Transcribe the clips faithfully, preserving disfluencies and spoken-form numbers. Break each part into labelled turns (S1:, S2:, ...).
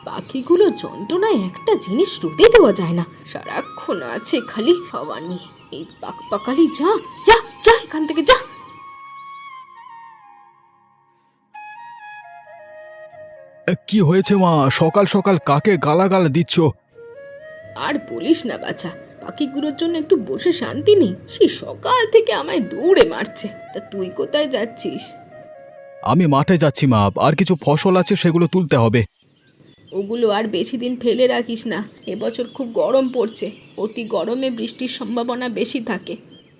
S1: পাখিগুলো যন্ত্রণায় একটা জিনিস রুতে দেওয়া যায় না, সারাক্ষণ আছে খালি হাওয়া নিয়ে। এই পাক পাকালি যা যা যা এখান থেকে যা।
S2: কি হয়েছে মা, সকাল সকাল কাকে গালাগাল দিচ্ছ?
S1: আর বলিস না বাছা, পাখিগুলোর জন্য একটু বসে শান্তি নেই, সেই সকাল থেকে আমায় দৌড়ে মারছে। তা তুই কোথায় যাচ্ছিস?
S2: আমি মাঠে যাচ্ছি মা, আর কিছু ফসল আছে সেগুলো তুলতে হবে।
S1: ওগুলো আর বেশি দিন ফেলে রাখিস না, এবছর খুব গরম পড়ছে, অতি গরমে বৃষ্টির সম্ভাবনা বেশি থাকে।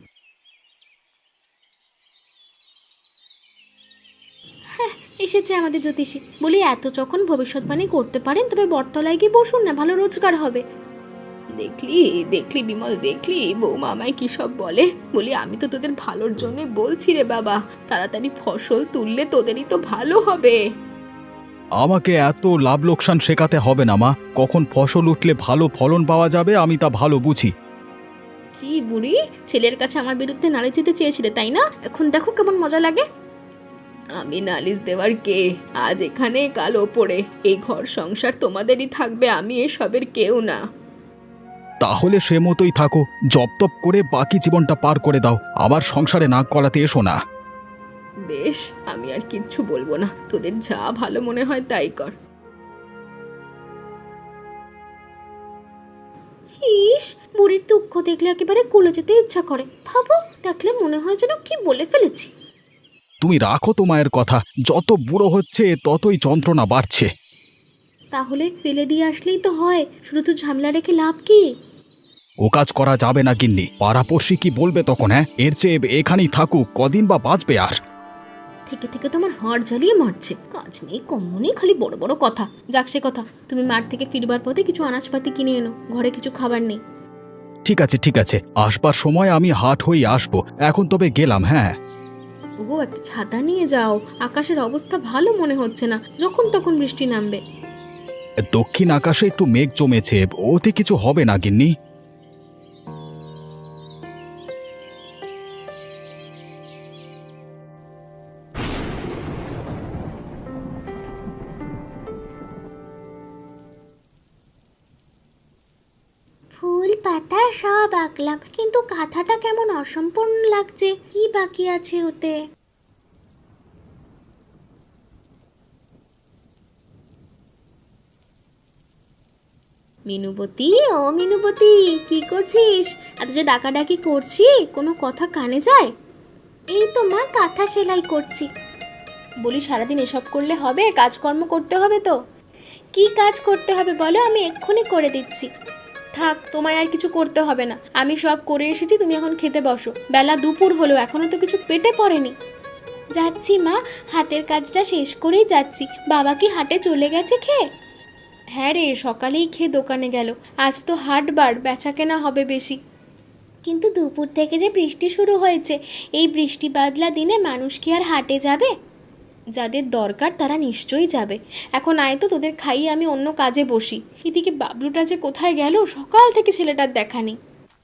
S1: হ্যাঁ, এসেছে আমাদের জ্যোতিষী। বলি এত যখন ভবিষ্যৎবাণী করতে পারেন তবে বটতলায় গিয়ে বসুন না, ভালো রোজগার হবে। দেখলি দেখলি বিমল, দেখলি বৌমা আমায় কি সব বলে। বলি আমি তো তোদের ভালোর জন্য বলছি রে বাবা, তাড়াতাড়ি ফসল তুললে তোদেরই তো ভালো হবে।
S2: আমাকে এত লাভ লোকসান শেখাতে হবে না মা, কখন ফসল উঠলে ভালো ফলন পাওয়া যাবে আমি তা ভালো বুঝি।
S1: কি বুড়ি, ছেলের কাছে আমার বিরুদ্ধে নালিশ দিতে চেয়েছিলে তাই না? এখন দেখো কেমন মজা লাগে। আমি নালিশ দেওয়ার কে? আজ এখানে কাল ওপরে, এই ঘর সংসার তোমাদেরই থাকবে, আমি এসবের কেউ না।
S2: তাহলে সে মতোই থাকো, জপ তপ করে বাকি জীবনটা পার করে দাও, আবার সংসারে নাক গলাতে এসো না।
S1: বেশ, আমি আর কিচ্ছু বলবো না, তোদের যা ভালো মনে হয় তাই কর। ইস, বুড়ির দুঃখ দেখলে একেবারে কুলে যেতে ইচ্ছা করে। ভাবো, দেখলে মনে হয় যেন কি বলে ফেলেছি।
S2: তুমি রাখো তো মায়ের কথা, যত বুড়ো হচ্ছে ততই যন্ত্রণা বাড়ছে।
S1: তাহলে ফেলে দিয়ে আসলেই তো হয়, শুধু তো ঝামেলা রেখে লাভ কি?
S2: ও কাজ করা যাবে না গিন্নি, পাড়াপড়শি কি বলবে তখন? হ্যাঁ, এর চেয়ে এখানেই থাকুক, কদিন বা বাঁচবে আর।
S1: থেকে থেকে তোমার হাড় জ্বালিয়ে মারছে, কাজ নেই কম্ম নেই, খালি বড় বড় কথা। যাক সে কথা, তুমি মাঠ থেকে ফিরবার পথে কিছু আনাজপাতি কিনে এনো, ঘরে কিছু খাবার নেই।
S2: ঠিক আছে ঠিক আছে, আসবার সময় আমি হাট হয়ে আসবো, এখন তবে গেলাম। হ্যাঁ
S1: ওগো, একটা ছাতা নিয়ে যাও, আকাশের অবস্থা ভালো মনে হচ্ছে না, যখন তখন বৃষ্টি নামবে।
S2: দক্ষিণ আকাশে একটু মেঘ জমেছে, ওতে কিছু হবে না গিন্নি।
S1: ফুল পাতা সব আঁকলাম, কিন্তু কাঁথাটা কেমন অসম্পূর্ণ লাগছে, কি বাকি আছে ওতে? মিনুবতী, ও মিনুবতী, কি করছিস? এত যে ডাকাডাকি করছি, কোনো কথা কানে যায়? এই তো মা, কাঁথা সেলাই করছি। বলি সারাদিন এসব করলে হবে? কাজকর্ম করতে হবে তো। কি কাজ করতে হবে বলো, আমি এক্ষুনি করে দিচ্ছি। থাক, তোমায় আর কিছু করতে হবে না, আমি সব করে এসেছি, তুমি এখন খেতে বসো। বেলা দুপুর হলো, এখনো তো কিছু পেটে পড়েনি। যাচ্ছি মা, হাতের কাজটা শেষ করেই যাচ্ছি। বাবা কি হাটে চলে গেছে খেয়ে? হ্যাঁ রে, সকালেই খেয়ে দোকানে গেল, আজ তো হাটবার, বেচা কেনা হবে বেশি। কিন্তু দুপুর থেকে যে বৃষ্টি শুরু হয়েছে, এই বৃষ্টি বাদলা দিনে মানুষ কি আর হাটে যাবে? যাদের দরকার তারা নিশ্চয়ই যাবে। এখন আয় তো, তোদের খাইয়ে আমি অন্য কাজে বসি। এদিকে বাবলুটা যে কোথায় গেল, সকাল থেকে ছেলেটার দেখা নেই।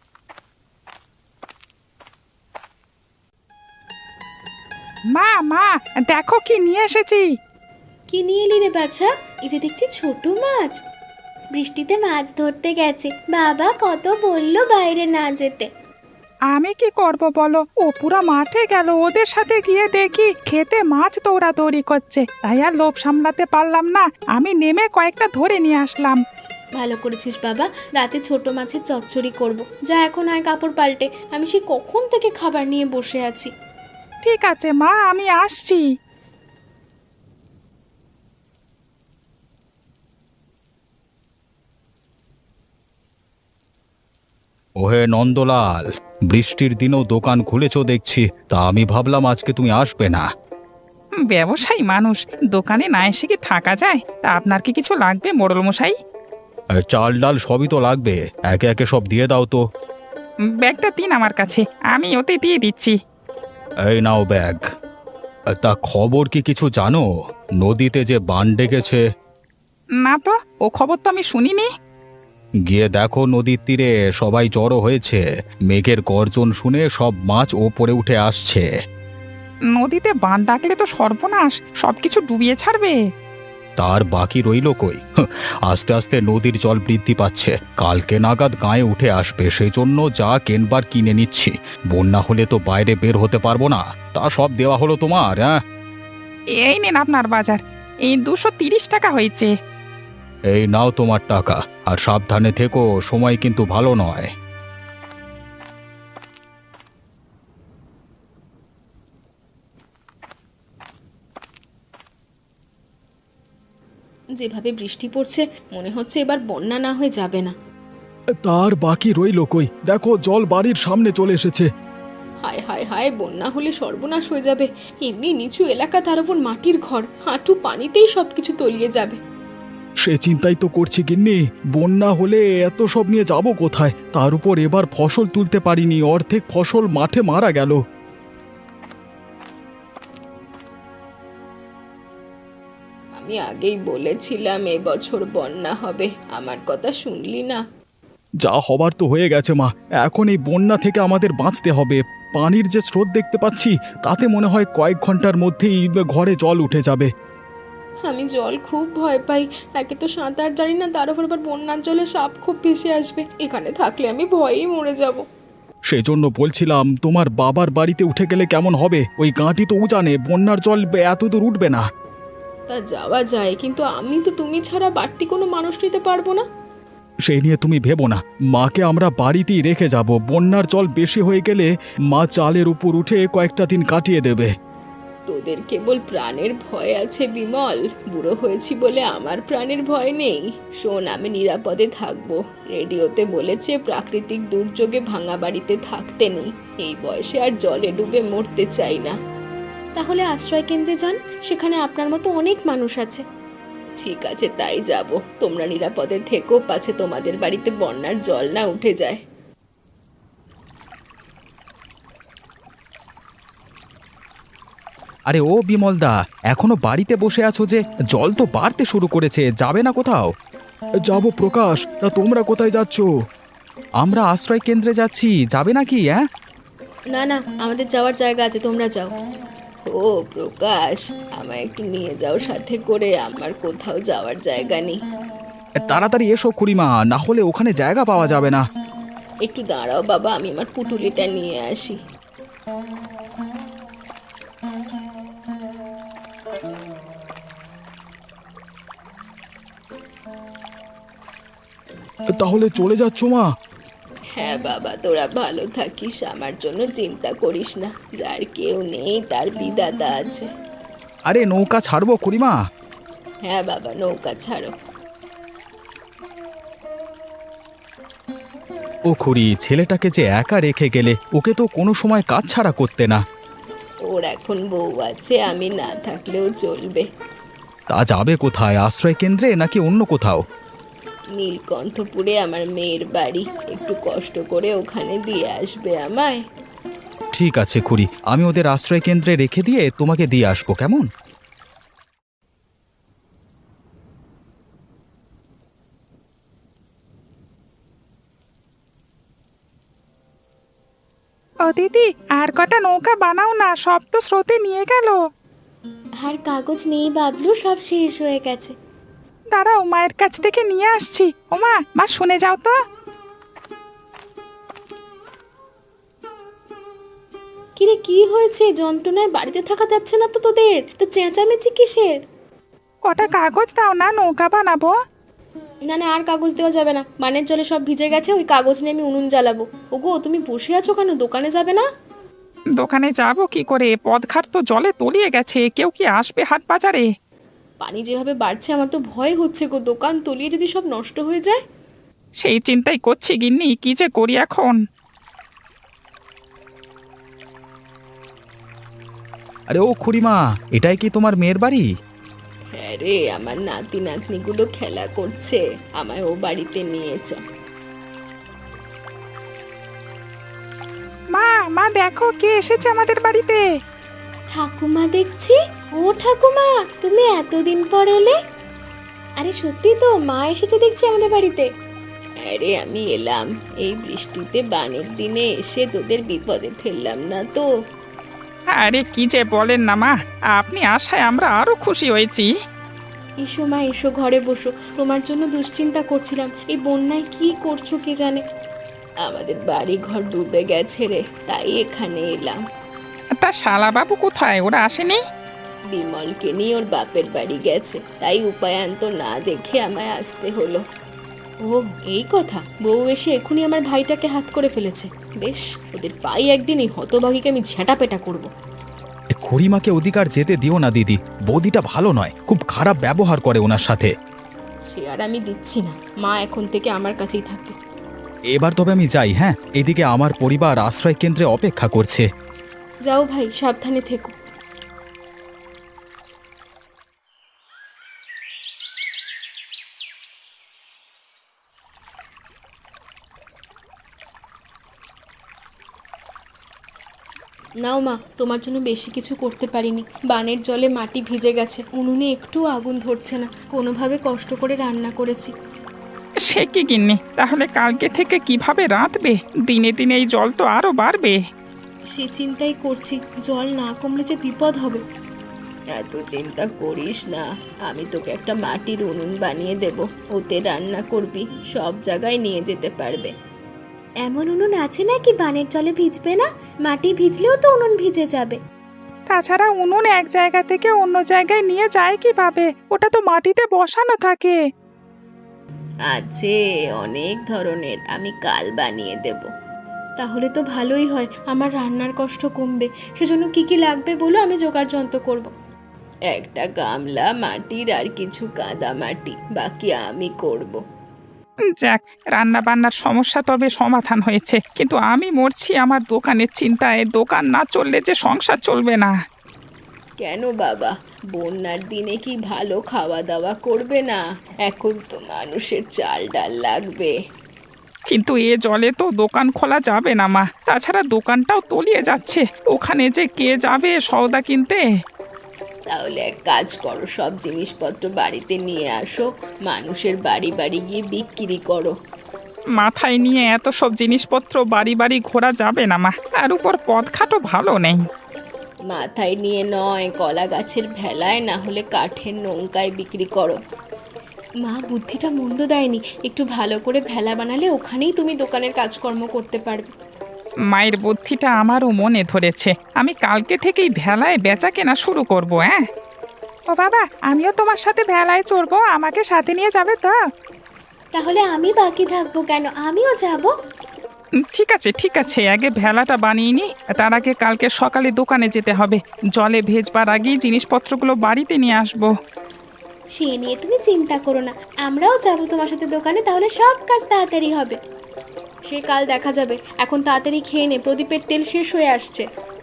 S3: মা মা, দেখো কি নিয়ে এসেছি।
S1: কি নিয়ে এলি রে বাছা? এই যে দেখছি ছোট মাছ। বৃষ্টিতে মাছ ধরতে গেছে, বাবা কত বললো বাইরে না যেতে।
S3: আমি কি করব বলো, ও পুরো মাঠে গেল, ওদের সাথে গিয়ে দেখি খেতে মাছ দৌড়াদৌড়ি করছে, তাই আর লোভ সামলাতে পারলাম না, আমি নেমে কয়েকটা ধরে নিয়ে আসলাম।
S1: ভালো করেছিস বাবা, রাতে ছোট মাছের চচ্চড়ি করব। যা এখন আয় কাপড় পাল্টে, আমি সে কখন থেকে খাবার নিয়ে বসে আছি।
S3: ঠিক আছে মা, আমি আসছি।
S2: ওহে নন্দলাল, বৃষ্টির দিনেও দোকান খুলেছ দেখছি, তা আমি ভাবলাম আজকে তুমি আসবে না।
S3: ব্যবসায়ী মানুষ, দোকানে না এসে কি থাকা যায়? তা আপনার কি কিছু লাগবে মোড়ল মশাই?
S2: এ, চাল ডাল সবই তো লাগবে, একে একে সব দিয়ে দাও তো।
S3: ব্যাগটা দিন আমার কাছে, আমি ওতে দিয়ে দিচ্ছি।
S2: এই নাও ব্যাগ। এ, তা খবর কি কিছু জানো? নদীতে যে বান ডেকেছে।
S3: না তো, ও খবর তো আমি শুনিনি।
S2: গিয়ে দেখো নদীর তীরে সবাই জড়ো হয়েছে, মেঘের গর্জন শুনে সব মাছ ওপরে উঠে আসছে।
S3: নদীতে বান ডাকলে তো সর্বনাশ, সবকিছু ডুবিয়ে ছাড়বে।
S2: তার বাকি রইল কই? হাহ, আস্তে আস্তে নদীর জল বৃদ্ধি পাচ্ছে, কালকে নাগাদ গায়ে উঠে আসবে, সেই জন্য যা কেনবার কিনে নিচ্ছি। বন্যা হলে তো বাইরে বের হতে পারবো না। তা সব দেওয়া হলো তোমার? হ্যাঁ,
S3: এই নিন আপনার বাজার, এই দুশো তিরিশ টাকা হয়েছে।
S2: এই নাও তোমার টাকা, আর সাবধানে থেকো, সময় কিন্তু ভালো নয়।
S1: যেভাবে বৃষ্টি পড়ছে মনে হচ্ছে এবার বন্যা না হয়ে যাবে না।
S2: তার বাকি রইল কই? দেখো জল বাড়ির সামনে চলে এসেছে।
S1: হায় হায় হায়, বন্যা হলে সর্বনাশ হয়ে যাবে। এমনি নিচু এলাকা, তার উপর মাটির ঘর, হাঁটু পানিতেই সবকিছু তলিয়ে যাবে।
S2: সে চিন্তাই তো করছি গিন্নি, বন্যা হলে এত সব নিয়ে যাব কোথায়? তার উপর এবার ফসল তুলতে পারিনি, অর্ধেক ফসল মাঠে মারা গেল।
S1: আমি আগেই বলেছিলাম এবছর বন্যা হবে, আমার কথা শুনলি না?
S2: যা হবার তো হয়ে গেছে মা, এখন এই বন্যা থেকে আমাদের বাঁচতে হবে। পানির যে স্রোত দেখতে পাচ্ছি, তাতে মনে হয় কয়েক ঘন্টার মধ্যেই ঘরে জল উঠে যাবে।
S1: আমি জল খুব ভয় পাই, একে তো সাঁতার জানি না, তার উপর আবার বন্যার জলে সাপ খুব ভেসে আসবে। এখানে থাকলে আমি ভয়েই মরে যাব।
S2: সেজন্য বলছিলাম তোমার বাবার বাড়িতে উঠে গেলে কেমন হবে? ওই গাঁটি তো উজানে, বন্যার জল এত দূর উঠবে না।
S1: তা যাওয়া যায়, কিন্তু আমি তো তুমি ছাড়া বাড়তি কোনো মানুষ নিতে পারবো না।
S2: সেই নিয়ে তুমি ভেবো না, মাকে আমরা বাড়িতেই রেখে যাব। বন্যার জল বেশি হয়ে গেলে মা চালের উপর উঠে কয়েকটা দিন কাটিয়ে দেবে।
S1: তোদের কেবল প্রাণের ভয় আছে বিমল, বুড়ো হয়েছি বলে আমার প্রাণের ভয় নেই। শোন, আমি নিরাপদে থাকবো। রেডিওতে বলেছে প্রাকৃতিক দুর্যোগে ভাঙা বাড়িতে থাকতে নেই। এই বয়সে আর জলে ডুবে মরতে চাই না। তাহলে আশ্রয় কেন্দ্রে যান, সেখানে আপনার মতো অনেক মানুষ আছে। ঠিক আছে, তাই যাব। তোমরা নিরাপদে থেকো, পাছে তোমাদের বাড়িতে বন্যার জল না উঠে যায়।
S2: আরে ও বিমলদা, এখনো বাড়িতে বসে আছো যে? জল তো বাড়তে শুরু করেছে, যাবে না কোথাও? যাব প্রকাশ, তা তোমরা কোথায় যাচ্ছ? আমরা আশ্রয় কেন্দ্রে যাচ্ছি, যাবে নাকি? হ্যাঁ,
S1: না না, আমাদের যাওয়ার জায়গা আছে, তোমরা যাও। ও প্রকাশ, আমায় একটু নিয়ে যাও সাথে করে, আমার কোথাও যাওয়ার জায়গা নেই।
S2: তাড়াতাড়ি এসো খুড়িমা, না হলে ওখানে জায়গা পাওয়া যাবে না।
S1: একটু দাঁড়াও বাবা, আমি আমার পুটুলিটা নিয়ে আসি।
S2: তাহলে চলে যাচ্ছ মা?
S1: হ্যাঁ বাবা, তোরা ভালো থাকিস, আমার জন্য চিন্তা করিস না। যার কেউ নেই তার বিধাতা আছে।
S2: আরে নৌকা ছাড়বো খুড়িমা?
S1: হ্যাঁ বাবা, নৌকা ছাড়ো।
S2: ও খুড়ি, ছেলেটাকে যে একা রেখে গেলে, ওকে তো কোনো সময় কাজ ছাড়া করতে না।
S1: ওর এখন বউ আছে, আমি না থাকলেও চলবে।
S2: তা যাবে কোথায়? আশ্রয় কেন্দ্রে নাকি অন্য কোথাও?
S1: নীলকণ্ঠপুরে আমার মেয়ের বাড়ি, একটু কষ্ট করে ওখানে দিয়ে আসবে আমায়।
S2: ঠিক আছে খুড়ি, আমি ওদের আশ্রয় কেন্দ্রে রেখে দিয়ে তোমাকে দিয়ে আসবো, কেমন?
S3: ও দিদি, আর কটা নৌকা বানাও না, সব তো স্রোতে নিয়ে গেল।
S1: আর কাগজ নেই বাবলু, সব শেষ হয়ে গেছে।
S3: দাঁড়াও, মায়ের কাছ থেকে নিয়ে আসছি। ওমা, মা শুনে যাও তো।
S1: কিরে, কি হয়েছে? যন্ত্রণায় বাড়িতে থাকা যাচ্ছে না তো তোদের? তো চেঁচামেচি কিসের?
S3: কটা কাগজ দাও না, নৌকা বানাবো।
S1: না না, আর কাগজ দেওয়া যাবে না, বানের জলে সব ভিজে গেছে। ওই কাগজ নিয়ে আমি উনুন জ্বালাবো। ওগো, তুমি বসে আছো কেন? দোকানে যাবে না?
S3: দোকানে যাব কি করে? পদঘাট তো জলে তলিয়ে গেছে, কেউ কি আসবে হাট বাজারে?
S1: পানি যেভাবে বাড়ছে আমার তো ভয় হচ্ছে গো, দোকান তলিয়ে যদি সব নষ্ট হয়ে যায়।
S3: সেই চিন্তাই করছি গিন্নি, কি যে করি এখন।
S2: আরে ও খুড়িমা, এটাই কি তোমার মেয়ের বাড়ি?
S1: হ্যাঁ রে, আমার নাতি নাতনিগুলো খেলা করছে, আমায় ও বাড়িতে নিয়ে চ।
S3: মা, মা দেখো কে এসেছে আমাদের বাড়িতে।
S1: ঠাকুমা দেখছি। ও ঠাকুমা, তুমি এতদিন পর এলে? আরে সত্যি তো, মা এসেছে দেখছি আমাদের বাড়িতে। আরে আমি এলাম এই বৃষ্টিতে, বানের দিনে এসে তোদের বিপদে ফেললাম না তো?
S3: আরে কি যে বলেন না মা, আপনি আসায় আমরা আরো খুশি হয়েছি।
S1: এসো মা, এসো ঘরে বসো। তোমার জন্য দুশ্চিন্তা করছিলাম, এই বন্যায় কি করছো কে জানে। আমাদের বাড়ি ঘর ডুবে গেছে রে, তাই এখানে এলাম।
S3: তা শালাবাবু কোথায়? ওরা আসেনি?
S1: বিমলকে নিয়ে ওর বাপের বাড়ি গেছে, তাই উপায়ান্ত না দেখে আমায় আসতে হলো। ও এই কথা, বউ এসে এখনই আমার ভাইটাকে হাত করে ফেলেছে। বেশ, ওদের পাই একদিন এই হতভাগীকে আমি ঝেঁটাপেটা করবো।
S2: এ খুড়িমাকে অধিকার যেতে দিও না দিদি, বৌদিটা ভালো নয়, খুব খারাপ ব্যবহার করে ওনার সাথে।
S1: সে আর আমি দিচ্ছি না, মা এখন থেকে আমার কাছেই থাকবে।
S2: এবার তবে আমি যাই, হ্যাঁ? এদিকে আমার পরিবার আশ্রয় কেন্দ্রে অপেক্ষা করছে।
S1: যাও ভাই, সাবধানে থেকো। নাও মা, তোমার জন্য বেশি কিছু করতে পারিনি। বানের জলে মাটি ভিজে গেছে, উনুনে একটু আগুন ধরছে না, কোনোভাবে কষ্ট করে রান্না করেছি।
S3: সে কি গিন্নি, তাহলে কালকে থেকে কিভাবে রাঁধবে? দিনে দিনে এই জল তো আরো বাড়বে।
S1: সে চিন্তাই করছি, জল না কমলে যে বিপদ হবে। এত চিন্তা করিস না, আমি তোকে একটা মাটির উনুন বানিয়ে দেব, ওতে রান্না করবি, সব জায়গায় নিয়ে যেতে পারবে। এমন উনুন আছে নাকি বানের জলে ভিজবে না? মাটি ভিজলেও তো উনুন ভিজে যাবে।
S3: তাছাড়া উনুন এক জায়গা থেকে অন্য জায়গায় নিয়ে যায় কিভাবে? ওটা তো মাটিতে বসানো থাকে।
S1: আছে অনেক ধরনের, আমি কাল বানিয়ে দেব। তাহলে তো ভালোই হয়, আমার রান্নার কষ্ট কমবে। সেজন্য কি কি লাগবে বলো, আমি জোগাড় যন্ত্র করব। একটা গামলা মাটির আর কিছু কাদা মাটি, বাকি আমি করব।
S3: যাক, রান্না বান্নার সমস্যা তবে সমাধান হয়েছে, কিন্তু আমি মরছি আমার দোকানের চিন্তায়। দোকান না চললে যে সংসার চলবে না।
S1: কেন বাবা, বন্যার দিনে কি ভালো খাওয়া দাওয়া করবে না? এখন তো মানুষের চাল ডাল লাগবে।
S3: কিন্তু এ জলে তো দোকান খোলা যাবে না মা, তাছাড়া দোকানটাও তলিয়ে যাচ্ছে। ওখানে যে কে যাবে সওদা কিনতে?
S1: তাহলে এক কাজ করো, সব জিনিসপত্র বাড়িতে নিয়ে আসো, মানুষের বাড়ি বাড়ি গিয়ে বিক্রি করো।
S3: মাথায় নিয়ে এত সব জিনিসপত্র বাড়ি বাড়ি ঘোরা যাবে না মা, তার উপর পথঘাটও ভালো নেই।
S1: মাথায় নিয়ে নয়, কলা গাছের ভেলায় না হলে কাঠের নৌকায় বিক্রি করো। মা বুদ্ধিটা মন্দ দেয়নি, একটু ভালো করে ভেলা বানালে ওখানেই তুমি দোকানের কাজকর্ম করতে পারবে।
S3: মায়ের বুদ্ধিটা আমারও মনে ধরেছে, আমি কালকে থেকেই ভেলায় বেচা কেনা শুরু করব। হ্যাঁ ও বাবা, আমিও তোমার সাথে ভেলায় চড়বো, আমাকে সাথে নিয়ে যাবে তো?
S1: তাহলে আমি বাকি থাকবো কেন, আমিও যাব।
S3: উম, ঠিক আছে ঠিক আছে, আগে ভেলাটা বানিয়ে নি, তার আগে কালকে সকালে দোকানে যেতে হবে। জলে ভেজবার আগেই জিনিসপত্রগুলো বাড়িতে নিয়ে আসবো।
S1: সে নিয়ে তুমি চিন্তা করো না, আমরাও যাবো তোমার সাথে দোকানে, তাহলে সব কাজ তাড়াতাড়ি হবে। সে কাল দেখা যাবে, এখন তাড়াতাড়ি খেয়ে নে, প্রদীপের তেল শেষ হয়ে আসছে।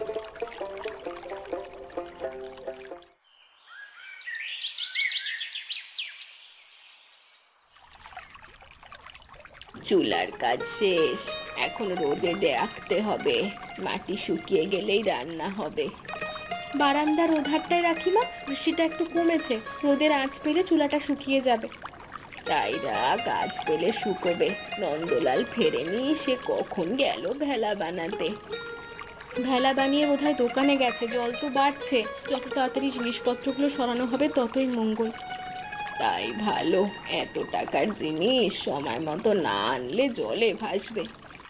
S1: চুলার কাজ শেষ, এখন রোদে রাখতে হবে, মাটি শুকিয়ে গেলেই রান্না হবে। বারান্দার ওধারটায় রাখি মা, বৃষ্টিটা একটু কমেছে, রোদের আঁচ পেলে চুলাটা শুকিয়ে যাবে। তাই রাখ, আজ পেলে শুকোবে। নন্দলাল ফেরেনি, সে কখন গেল ভেলা বানাতে। ভেলা বানিয়ে বোধহয় দোকানে গেছে, জল তো বাড়ছে, যত তাড়াতাড়ি জিনিসপত্রগুলো সরানো হবে ততই মঙ্গল। তাই ভালো, এত টাকার জিনিস সময় মতো না আনলে জলে ভাসবে।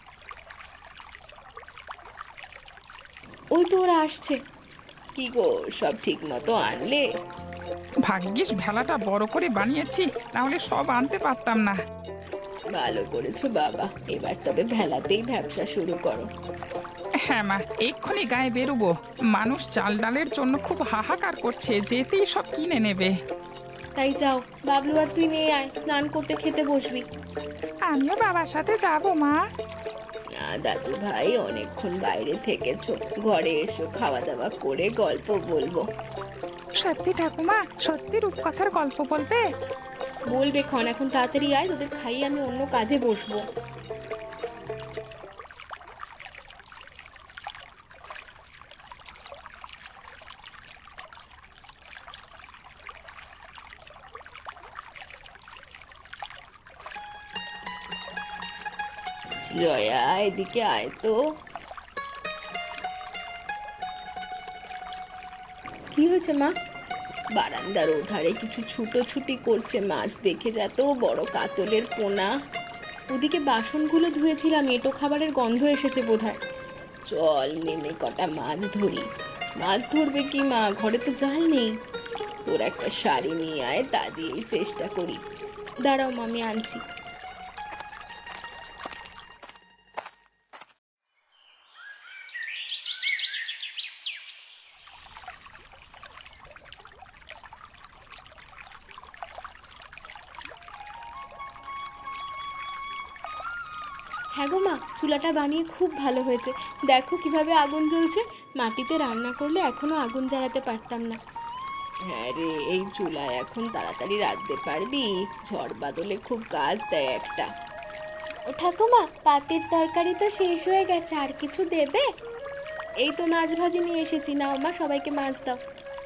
S1: ওই তো ওরা আসছে। কি গো, সব ঠিক মতো আনলে?
S3: ভাগ্যিস ভেলাটা বড় করে বানিয়েছি, তাহলে সব আনতে পারতাম না।
S1: ভালো করেছো বাবা, এবার তবে ভেলাতেই ব্যবসা শুরু করো।
S3: হ্যাঁ মা, এক্ষুনি গায়ে বেরোবো। মানুষ চাল ডালের জন্য খুব হাহাকার করছে, যেতেই সব কিনে নেবে।
S1: তাই যাও, বাবলু আর তুই নিয়ে আয়, স্নান করতে খেতে বসবি।
S3: আমিও বাবার সাথে যাবো মা।
S1: না দাদু ভাই, অনেকক্ষণ বাইরে থেকেছো, ঘরে এসো, খাওয়া দাওয়া করে গল্প বলবো।
S3: সত্যি ঠাকুমা, সত্যি রূপকথার গল্প বলবে?
S1: বলবে ক্ষণ, এখন তাড়াতাড়ি আয়, তোদের খাইয়ে আমি অন্য কাজে বসবো। জয়া, এদিকে আয় তো। কি হয়েছে মা? বারান্দার ওধারে কিছু ছুটোছুটি করছে মাছ, দেখে যা তো বড় কাতলের পোনা। ওদিকে বাসনগুলো ধুয়েছিলাম, এঁটো খাবারের গন্ধ এসেছে বোধহয়। চল নেমে কটা মাছ ধরি। মাছ ধরবে কি মা, ঘরে তো জাল নেই। তোর একটা শাড়ি নিয়ে আয়, তা দিয়েই চেষ্টা করি। দাঁড়াও মা, আমি আনছি। হ্যাঁ গো মা, চুলাটা বানিয়ে খুব ভালো হয়েছে। দেখো কিভাবে আগুন জ্বলছে। মাটিতে রান্না করলে এখনো আগুন জ্বালাতে পারতাম না। হ্যাঁ রে, এই চুলায় এখন তাড়াতাড়ি রাঁধতে পারবি? ঝড় বাদলে খুব কাজ দেয় একটা। ও ঠাকুমা, পাতের তরকারি তো শেষ হয়ে গেছে, আর কিছু দেবে? এই তো মাছ ভাজি নিয়ে এসেছি, নাও মা, সবাইকে মাছ দাও।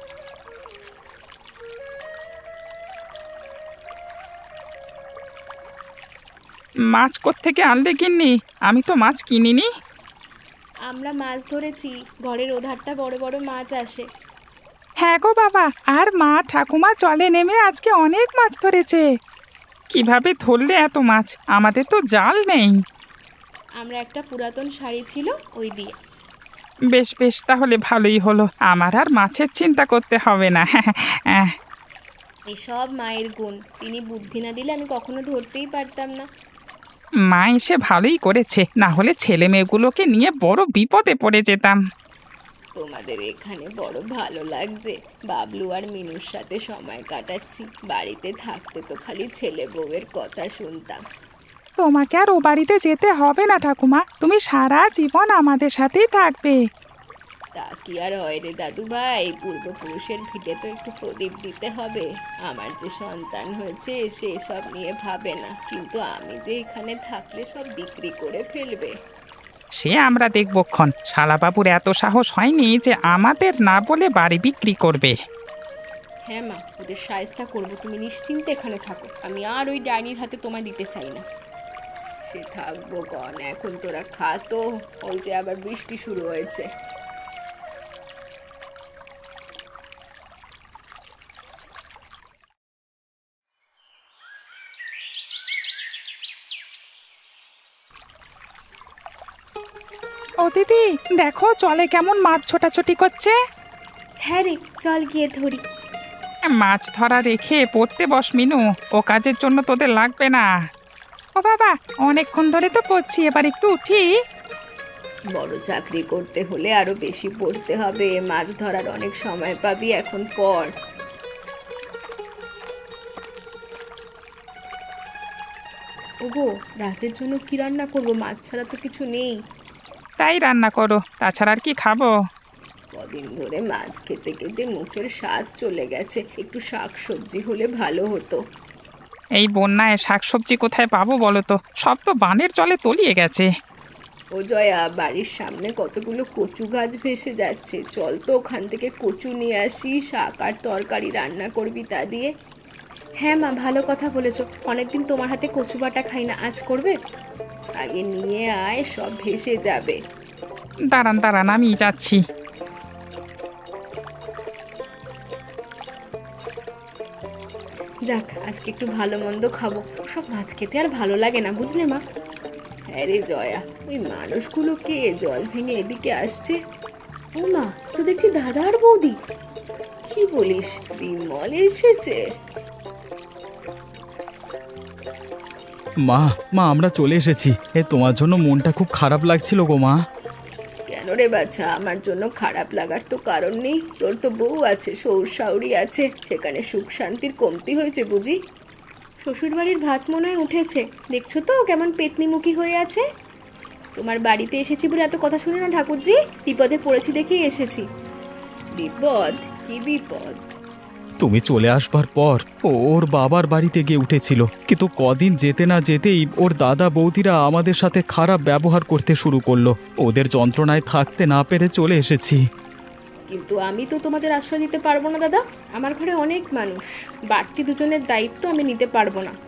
S3: মাছ কোত্থেকে আনলে গিন্নি? আমি তো মাছ কিনিনি।
S1: আমরা মাছ ধরেছি, ঘরের ওধারটা বড় বড় মাছ আসে।
S3: হ্যাঁ গো বাবা, আর মা ঠাকুমা জলে নেমে আজকে অনেক মাছ ধরেছে। কিভাবে ধরলে এত মাছ? আমাদের তো জাল নেই।
S1: আমরা একটা পুরাতন শাড়ি ছিল, ওই দিয়ে।
S3: বেশ বেশ, তাহলে ভালোই হলো, আমার আর মাছের চিন্তা করতে হবে না। হ্যাঁ,
S1: এসব মায়ের গুণ, তিনি বুদ্ধি না দিলে আমি কখনো ধরতেই পারতাম না।
S3: মা এসে ভালোই করেছে, না হলে ছেলে মেয়েগুলোকে নিয়ে বড় বিপদে পড়ে যেতাম।
S1: তোমাদের এখানে বড় ভালো লাগছে, বাবলু আর মিনুর সাথে সময় কাটাচ্ছি। বাড়িতে থাকতে তো খালি ছেলে বউয়ের কথা শুনতাম।
S3: তোমাকে আর ও বাড়িতে যেতে হবে না ঠাকুমা, তুমি সারা জীবন আমাদের সাথেই থাকবে।
S1: তা কি আর হয় রে দাদু ভাই, পূর্বপুরুষের ভিটে তো একটু প্রদীপ দিতে হবে। আমার যে সন্তান হয়েছে সে সব নিয়ে ভাবে না, কিন্তু আমি যে এখানে থাকলে সব বিক্রি করে ফেলবে।
S3: সে আমরা দেখবক্ষণ। শালাবাবুর এত সাহস হয়নি যে আমাদের না বলে বাড়ি বিক্রি করবে।
S1: হ্যাঁ মা, ওদের সায়স্তা করবো, তুমি নিশ্চিন্তে এখানে থাকো। আমি আর ওই ডাইনির হাতে তোমায় দিতে চাই না। সে থাকবো কন, এখন তোরা খা তো, ওই যে আবার বৃষ্টি শুরু হয়েছে।
S3: ও দিদি, দেখো জলে কেমন মাছ ছোটাছুটি করছে।
S1: হ্যাঁ রে, চল গিয়ে ধরি।
S3: মাছ ধরা রেখে পড়তে বস মিনু, ও কাজের জন্য তোদের লাগবে না। ও বাবা, অনেকক্ষণ ধরে তো পড়ছি, এবার একটু উঠি।
S1: বড় চাকরি করতে হলে আরো বেশি পড়তে হবে, মাছ ধরার অনেক সময় পাবি, এখন পড়। ওগো, রাতের জন্য কি রান্না করবো? মাছ ছাড়া তো কিছু নেই।
S3: তাই রান্না করো, তাছাড়া আর কি খাবো?
S1: কদিন ধরে মাছ খেতে খেতে মুখের স্বাদ চলে গেছে, একটু শাক সবজি হলে ভালো হতো।
S3: এই বন্যায় শাকসবজি কোথায় পাবো বলো তো? সব তো বানের জলে তলিয়ে গেছে।
S1: ও জয়া, বাড়ির সামনে কতগুলো কচু গাছ ভেসে যাচ্ছে, চল তো ওখান থেকে কচু নিয়ে আসি, শাক আর তরকারি রান্না করবি তা দিয়ে। হ্যাঁ মা, ভালো কথা বলেছো, অনেকদিন তোমার হাতে কচু বাটা খাই না, আজ করবে? আগে নিয়ে আয়, সব ভেসে যাবে।
S3: দাঁড়ান দাঁড়ান, আমি যাচ্ছি।
S1: যাক, আজকে একটু ভালো মন্দ খাবো, সব মাছ খেতে আর ভালো লাগে না, বুঝলে মা? হ্যাঁ রে জয়া, ওই মানুষগুলো কে জল ভেঙে এদিকে আসছে? ও মা, তো দেখছি দাদা আর বৌদি। কি বলিস, বিমল এসেছে?
S2: মা মা আমরা চলে এসেছি। এ তোমার জন্য মনটা খুব খারাপ লাগছিল গো মা।
S1: কেন রে বাছা, আমার জন্য খারাপ লাগার তো কারণ নেই। তোর তো বউ আছে, শ্বশুর শাশুড়ি আছে, সেখানে সুখ শান্তির কমতি হয়েছে বুঝি? শ্বশুর বাড়ির ভাত মনে হয় উঠেছে, দেখছো তো কেমন পেতনিমুখী হয়ে আছে। তোমার বাড়িতে এসেছি বলে এত কথা শুনে না ঠাকুরজি, বিপদে পড়েছি দেখেই এসেছি। বিপদ? কি বিপদ?
S2: তুমি চলে আসবার পর ও ওর বাবার বাড়িতে গিয়ে উঠেছিল, কিন্তু কদিন যেতে না যেতেই ওর দাদা বৌদিরা আমাদের সাথে খারাপ ব্যবহার করতে শুরু করলো। ওদের যন্ত্রণায় থাকতে না পেরে চলে এসেছি।
S1: কিন্তু আমি তো তোমাদের আশ্রয় দিতে পারবো না দাদা, আমার ঘরে অনেক মানুষ, বাড়তি দুজনের দায়িত্ব আমি নিতে পারবো না।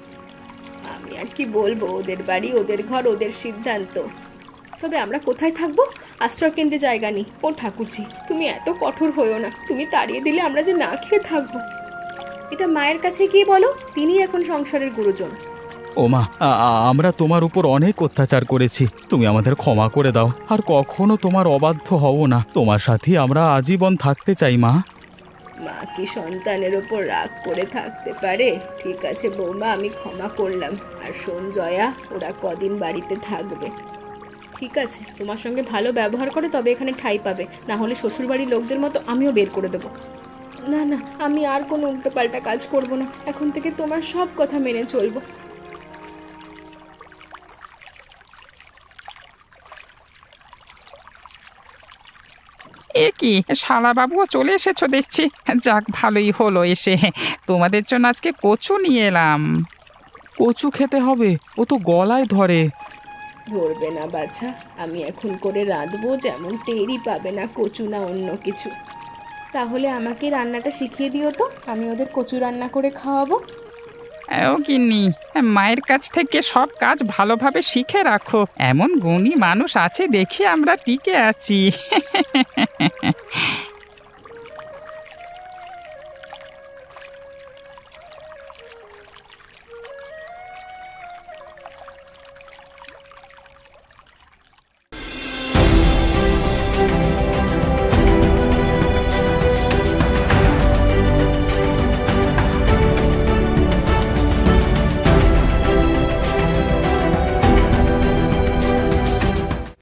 S1: আমি আর কি বলবো, ওদের বাড়ি, ওদের ঘর, ওদের সিদ্ধান্ত। তবে আমরা কোথায় থাকবো? আশ্রয় কেন্দ্রে জায়গা নেই। ও ঠাকুরজি, তুমি এত কঠোর হইও না, তুমি তাড়িয়ে দিলে আমরা যে না খেয়ে থাকবো। এটা মায়ের কাছে গিয়ে বলো, তিনি এখন সংসারের গুরুজন।
S2: ও মা, আ- আ- আমরা তোমার উপর অনেক অত্যাচার করেছি, তুমি আমাদের ক্ষমা করে দাও। আর কখনো তোমার অবাধ্য হব না, তোমার সাথে আমরা আজীবন থাকতে চাই মা।
S1: মা কি সন্তানের ওপর রাগ করে থাকতে পারে? ঠিক আছে বৌমা, আমি ক্ষমা করলাম। আর শোন জয়া, ওরা কদিন বাড়িতে থাকবে। ঠিক আছে, তোমার সঙ্গে ভালো ব্যবহার করে তবে এখানে ঠাঁই পাবে, না হলে শ্বশুরবাড়ির লোকদের মতো আমিও বের করে দেবো। না না, আমি আর কোনো উল্টোপাল্টা কাজ করব না, এখন থেকে তোমার সব কথা মেনে চলবো।
S3: এ কি, শালাবাবুও চলে এসেছো দেখছি। যাক, ভালোই হলো এসে। তোমাদের জন্য আজকে কচু নিয়ে এলাম।
S2: কচু খেতে হবে, ও তো গলায় ধরে।
S1: ধরবে না বাছা, আমি এখন করে রাঁধবো, যেমন টেরই পাবে না কচু না অন্য কিছু। তাহলে আমাকে রান্নাটা শিখিয়ে দিও তো, আমি ওদের কচু রান্না করে খাওয়াবো।
S3: ও গিন্নি, মায়ের কাছ থেকে সব কাজ ভালোভাবে শিখে রাখো। এমন গুণী মানুষ আছে দেখি আমরা টিকে আছি।